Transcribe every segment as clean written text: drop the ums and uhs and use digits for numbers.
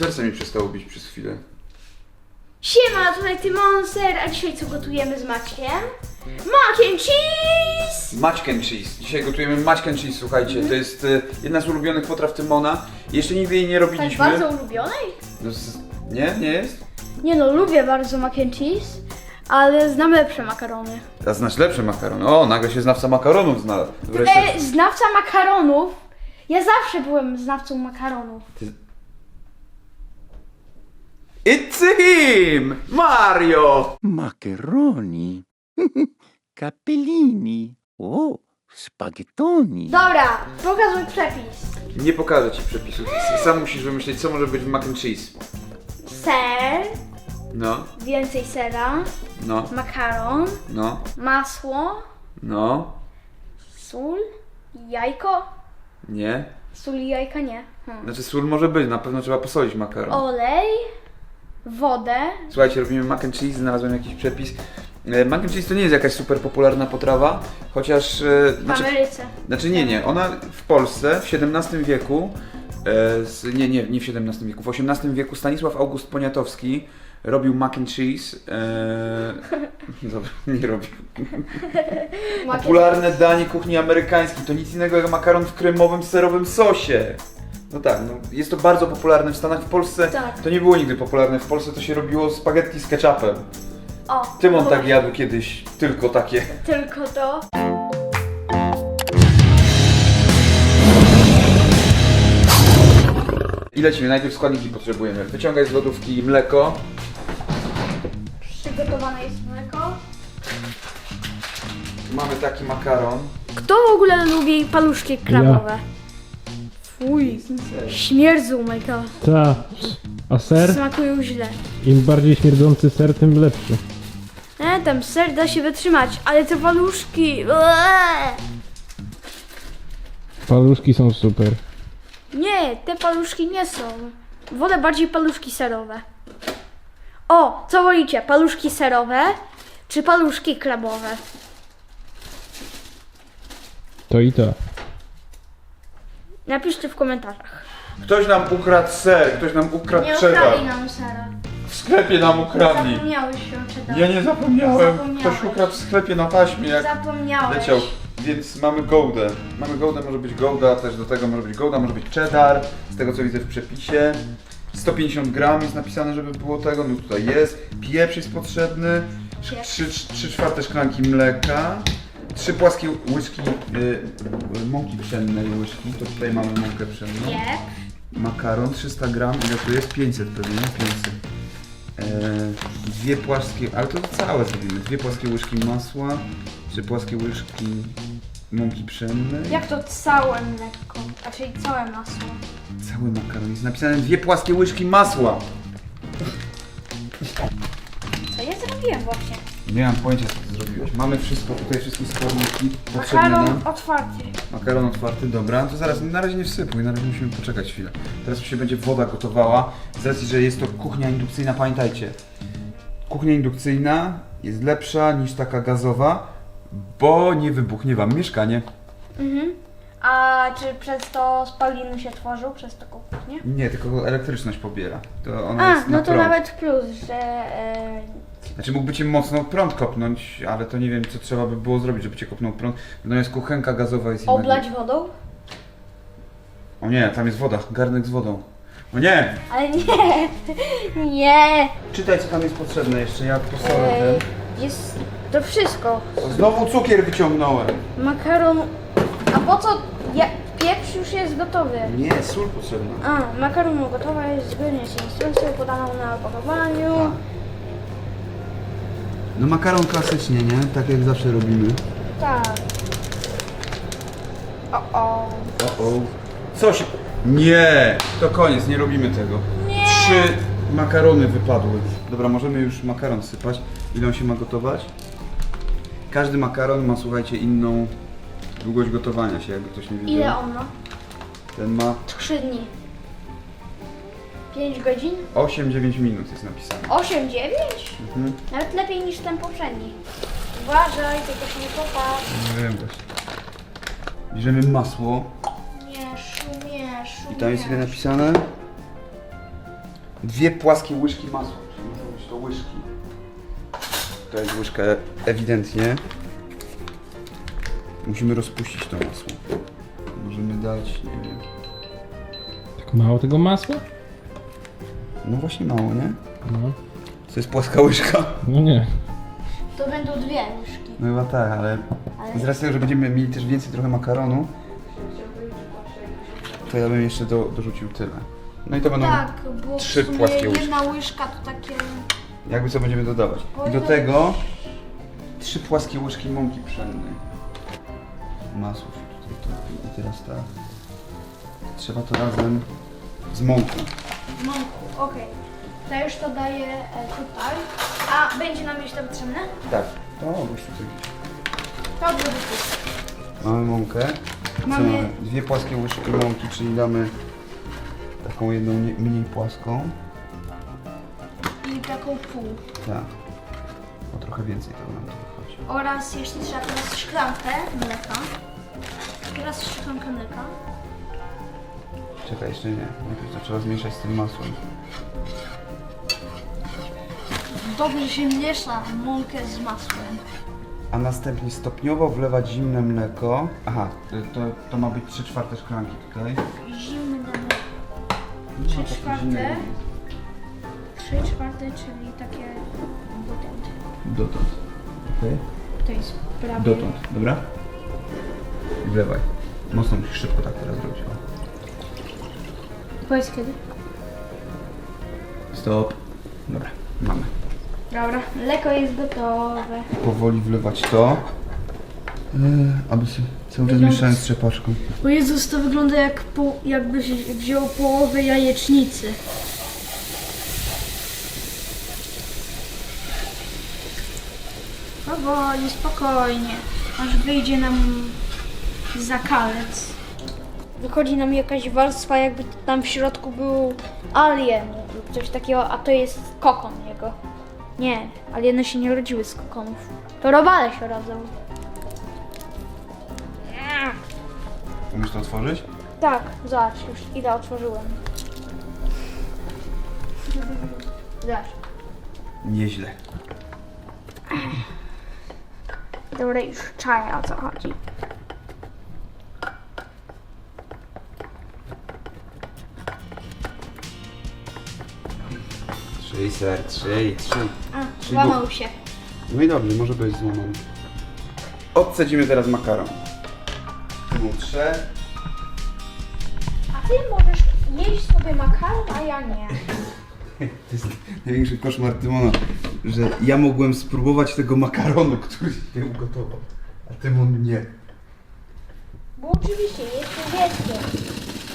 Serce mi przestało bić przez chwilę. Siema, tutaj Tymonser, a dzisiaj co gotujemy z Maćkiem? Mac and cheese! Mac and cheese. Dzisiaj gotujemy mac and cheese, słuchajcie. To jest jedna z ulubionych potraw Tymona. Jeszcze nigdy jej nie Tak robiliśmy. bardzo ulubionej? No, nie? Nie jest? Nie no, lubię bardzo mac and cheese, ale znam lepsze makarony. A znasz lepsze makarony. O, nagle się znawca makaronów znalazł. Wreszcie. Znawca makaronów? Ja zawsze byłem znawcą makaronów. It's him! Mario! Macaroni, capellini, oh, spaghettoni. Dobra, pokazuj przepis. Nie pokażę ci przepisów. Sam musisz wymyślić, co może być w mac and cheese. Ser, No, więcej sera, no, makaron, no, masło, no, sól, jajko. nie. Sól i jajka nie. Znaczy sól może być, na pewno trzeba posolić makaron. Olej, wodę. Słuchajcie, robimy mac and cheese, znalazłem jakiś przepis. Mac and cheese to nie jest jakaś super popularna potrawa, chociaż... W Ameryce. Znaczy nie, ona w Polsce w XVII wieku, nie w XVII wieku, w XVIII wieku Stanisław August Poniatowski robił mac and cheese. Dobra, nie robił. Popularne danie kuchni amerykańskiej to nic innego jak makaron w kremowym, serowym sosie. No tak, no, jest to bardzo popularne w Stanach, w Polsce Tak. to nie było nigdy popularne, w Polsce to się robiło spaghetti z ketchupem. O, Tymon no tak właśnie, jadł kiedyś, tylko takie. Tylko to. I lecimy, najpierw składniki potrzebujemy. Wyciągaj z lodówki mleko. Przygotowane jest mleko. Mamy taki makaron. Kto w ogóle lubi paluszki krabowe? Fuj, śmierdzą, oh my god. Ta. A ser? Smakują źle. Im bardziej śmierdzący ser, tym lepszy. Tam ser da się wytrzymać, ale te paluszki... Eee! Paluszki są super. Nie, te paluszki nie są. Wolę bardziej paluszki serowe. O, co wolicie? Paluszki serowe czy paluszki krabowe? To i to. Napiszcie w komentarzach. Ktoś nam ukradł ser, ktoś nam ukradł cheddar. nam sera. W sklepie nam ukradli. Zapomniałeś się cheddar. Ja nie zapomniałem. Zapomniałeś. Ktoś ukradł w sklepie na taśmie, jak Zapomniałeś. leciał. Więc mamy goudę. Mamy goudę, może być gouda, też do tego może być gouda, może być cheddar. Z tego co widzę w przepisie. 150 gram jest napisane, żeby było tego, no tutaj jest. Pieprz jest potrzebny. Pieprz. 3/4 szklanki mleka. 3 płaskie łyżki mąki pszennej łyżki. To tutaj mamy mąkę pszenną. Nie. Makaron 300 gram, ile to jest? 500 pewnie, 500. Dwie płaskie, ale to całe zrobimy. 2 płaskie łyżki masła, 3 płaskie łyżki mąki pszennej. Jak to całe mleko? Czyli całe masło. Cały makaron jest napisane 2 płaskie łyżki masła. Co ja zrobiłem właśnie? Nie mam pojęcia, co ty zrobiłeś. Mamy wszystko, tutaj wszystkie składniki potrzebne Makaron nam. otwarty. Makaron otwarty, dobra. To zaraz, na razie nie wsypuj, na razie musimy poczekać chwilę. Teraz się będzie woda gotowała. Z racji, że jest to kuchnia indukcyjna, pamiętajcie. Kuchnia indukcyjna jest lepsza niż taka gazowa, bo nie wybuchnie wam mieszkanie. A czy przez to spaliny się tworzą, przez taką kuchnię? Nie, tylko elektryczność pobiera. To ona jest na no to prąd. nawet plus, że... Znaczy mógłby cię mocno prąd kopnąć, ale to nie wiem, co trzeba by było zrobić, żeby cię kopnął prąd. Natomiast kuchenka gazowa jest inna. oblać wodą? O nie, tam jest woda, garnek z wodą. O nie! Ale nie, nie. Czytaj, co tam jest potrzebne jeszcze, ja posolę Jest to wszystko. ten. Znowu cukier wyciągnąłem. Makaron... A po co... Pieprz już jest gotowy. Nie, sól potrzebna. Makaron gotowa jest zgodnie z instrukcją podaną na opakowaniu. No makaron klasycznie, nie? Tak jak zawsze robimy. Tak. O. O. Co się... Nie! To koniec, nie robimy tego. Nie. 3 makarony wypadły. Dobra, możemy już makaron sypać. Ile on się ma gotować? Każdy makaron ma, słuchajcie, inną długość gotowania się, jakby ktoś nie wiedział. Ile on ma? Ten ma 3 dni. 5 godzin? 8-9 minut jest napisane. 8, 9? Mhm. Nawet lepiej niż ten poprzedni. Uważaj, tylko się nie popatrz. Nie wiem właśnie. Bierzemy masło. Mieszu. I tam jest ile napisane? 2 płaskie łyżki masła, czyli muszą być to łyżki. To jest łyżka ewidentnie. Musimy rozpuścić to masło. Możemy dać, nie wiem. Tak mało tego masła? No właśnie mało, nie? No. To jest płaska łyżka. No nie. To będą 2 łyżki. No chyba tak, ale z racji tego, że będziemy mieli też więcej trochę makaronu, to ja bym jeszcze dorzucił tyle. No i to będą Tak, bo 3 w sumie płaskie łyżki. jedna łyżka to takie... Jakby co będziemy dodawać. I do tego 3 płaskie łyżki mąki pszennej. Masło się tutaj topi. I teraz tak. Trzeba to razem z mąką. Mąku, okej. To już to daję tutaj. A będzie nam jeszcze potrzebne? Tak. To już tutaj. To będzie tu. Mamy mąkę. Co Mamy- 2 płaskie łyżki mąki, czyli damy taką jedną mniej płaską. I taką pół. Tak. O trochę więcej tego nam tu wychodzi. Oraz jeszcze trzeba teraz szklankę mleka. Teraz szklankę mleka. Czekaj, jeszcze nie. Najpierw to trzeba zmieszać z tym masłem. Dobrze się miesza mąkę z masłem. A następnie stopniowo wlewać zimne mleko. Aha, to ma być 3/4 szklanki tutaj. Zimne mleko. No, 3/4. takie zimne. 3/4, czyli takie dotąd. Dotąd. Okej. To jest prawie... Dotąd, dobra? I wlewaj. Mocno musisz szybko tak teraz zrobić. O. Powiedz kiedy? Stop. Dobra, mamy. Dobra, mleko jest gotowe. Powoli wlewać to. Aby się cały czas mieszałem z trzepaczką. O Jezus, to wygląda jakby się wziął połowę jajecznicy. Powoli, spokojnie, aż wyjdzie nam zakalec. Wychodzi nam jakaś warstwa, jakby tam w środku był alien lub coś takiego, a to jest kokon jego. Nie, alieny się nie rodziły z kokonów. To robale się rodzą. Umiesz to otworzyć? Tak, zobacz, już ile otworzyłem. Zobacz. Nieźle. Dobra, już czaję, o co chodzi. Trzyj ser, trzyj. A, Czyli złamał się. No i dobrze, może być złamany. Odcedzimy teraz makaron. Mutrze. A ty możesz jeść sobie makaron, a ja nie. To jest największy koszmar Tymona, że ja mogłem spróbować tego makaronu, który się ugotował, a Tymon nie. Bo oczywiście, jestem dzieckiem.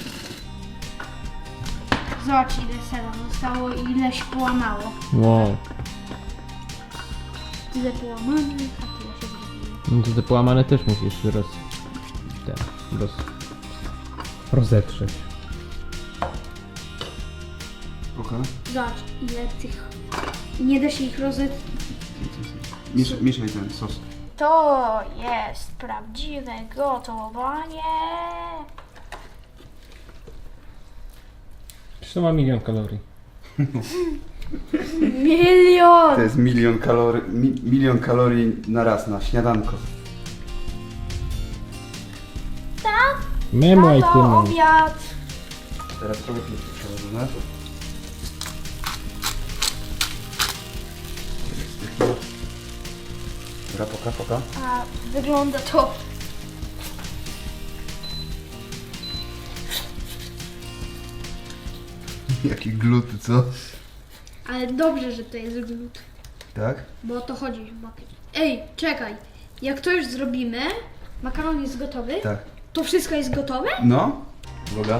Zobacz ile sera zostało i ile się połamało. Wow. Tyle połamanych, a tyle się zrobiło. No to te połamane też musisz rozetrzeć. Okej. Zobacz ile tych... Nie da się ich Mieszaj ten sos. To jest prawdziwe gotowanie. Przecież to ma 1 000 000 kalorii. Milion! To jest milion kalorii na raz, na śniadanko. Tak? Memłaj Tato, Tymon. obiad. Teraz trochę pieprzu przełożone. Dobra, poka. A wygląda to... Jakie gluty, co? Ale dobrze, że to jest glut. Tak? Bo o to chodzi chyba. Ej, czekaj. Jak to już zrobimy, makaron jest gotowy, Tak. to wszystko jest gotowe? No? Uwaga.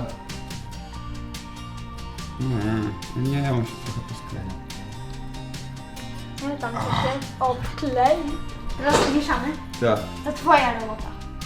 Nie, on się trochę poskleja. No tam to się obklei. Teraz mieszamy. Tak. To twoja robota.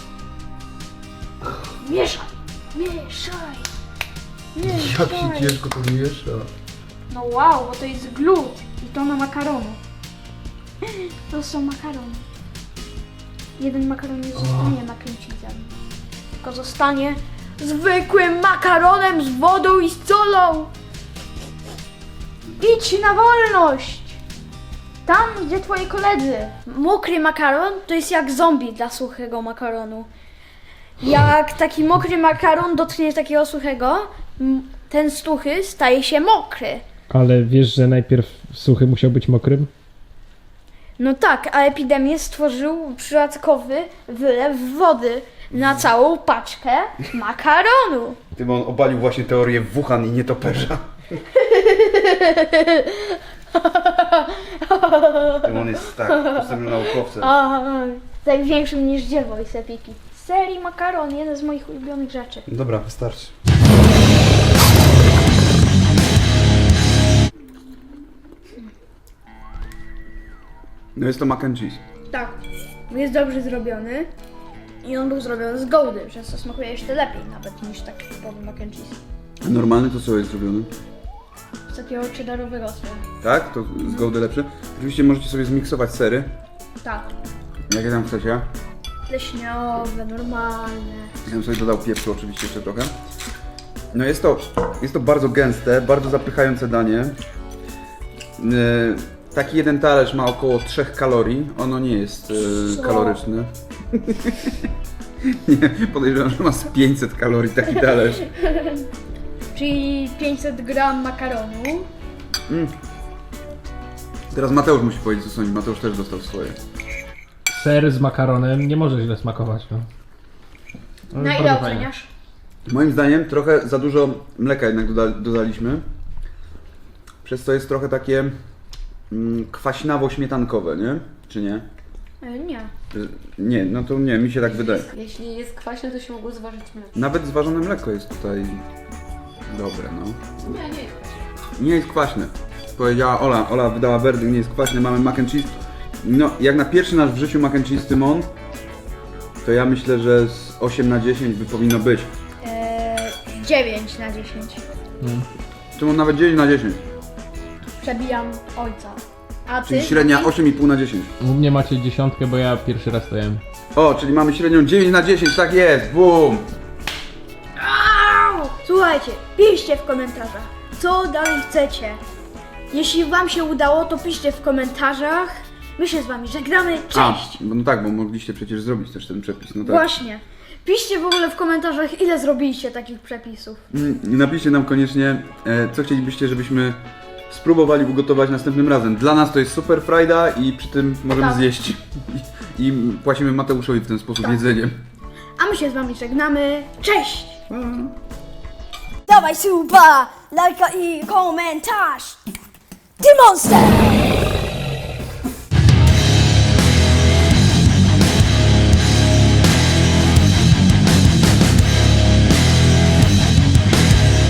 Mieszaj! Mieszaj! Jak się ciężko to miesza. No wow, bo to jest glut. I to na makaronu. To są makarony. Jeden makaron nie zostanie nakręcicem. Tylko zostanie zwykłym makaronem z wodą i z solą. Idź na wolność! Tam, gdzie twoi koledzy. Mokry makaron to jest jak zombie dla suchego makaronu. Jak taki mokry makaron dotknie takiego suchego, ten suchy staje się mokry. Ale wiesz, że najpierw suchy musiał być mokrym? No tak, a epidemię stworzył przypadkowy wylew wody na całą paczkę makaronu. Tymon obalił właśnie teorię Wuhan i nietoperza. Tymon jest tak, postępnym naukowcem. A, największym niż dziewo i sepiki. Serii makaron, jeden z moich ulubionych rzeczy. Dobra, wystarczy. No jest to mac and cheese. Tak, jest dobrze zrobiony i on był zrobiony z gołdy, przez co smakuje jeszcze lepiej nawet niż taki typowy mac and cheese. Normalny to co jest zrobiony? Z takiego cheddarowego sera. Tak? To z Goudy lepsze. Oczywiście możecie sobie zmiksować sery, Tak, jakie tam chcecie. leśniowe, normalne. Ja bym sobie dodał pieprzu oczywiście jeszcze trochę. No jest to bardzo gęste, bardzo zapychające danie. Taki jeden talerz ma około 3 kalorii. Ono nie jest Co? kaloryczne. Nie, podejrzewam, że ma z 500 kalorii taki talerz. Czyli 500 gram makaronu. Teraz Mateusz musi powiedzieć co sądzi. Mateusz też dostał swoje. Ser z makaronem nie może źle smakować, no. Ale Na bardzo ile fajne. oceniasz? Moim zdaniem trochę za dużo mleka jednak dodaliśmy. Przez co jest trochę takie kwaśnawo-śmietankowe, nie? Czy nie? Nie. Nie, no to nie, mi się tak wydaje. Jeśli jest kwaśne, to się mogło zważyć mleko. Nawet zważone mleko jest tutaj dobre, no. Nie, nie jest kwaśne. Nie jest kwaśne. Powiedziała Ola. Ola wydała werdykt, nie jest kwaśne, mamy mac and cheese. No, jak na pierwszy nasz w życiu mac and cheese Tymon, to ja myślę, że z 8 na 10 by powinno być. 9 na 10. Tymon nawet 9 na 10. Przebijam ojca. A ty? Czyli średnia 8,5 na 10. U mnie macie 10, bo ja pierwszy raz to jem. O, czyli mamy średnią 9 na 10, tak jest, bum! Au! Słuchajcie, piszcie w komentarzach, co dalej chcecie. Jeśli wam się udało, to piszcie w komentarzach. My się z wami żegnamy. Cześć! No tak, bo mogliście przecież zrobić też ten przepis, no tak. Właśnie. Piszcie w ogóle w komentarzach, ile zrobiliście takich przepisów. Napiszcie nam koniecznie, co chcielibyście, żebyśmy spróbowali ugotować następnym razem. Dla nas to jest super frajda i przy tym możemy Tak. zjeść. I płacimy Mateuszowi w ten sposób jedzeniem. A my się z wami żegnamy. Cześć! Dawaj suba, lajka i komentarz. Ty monster!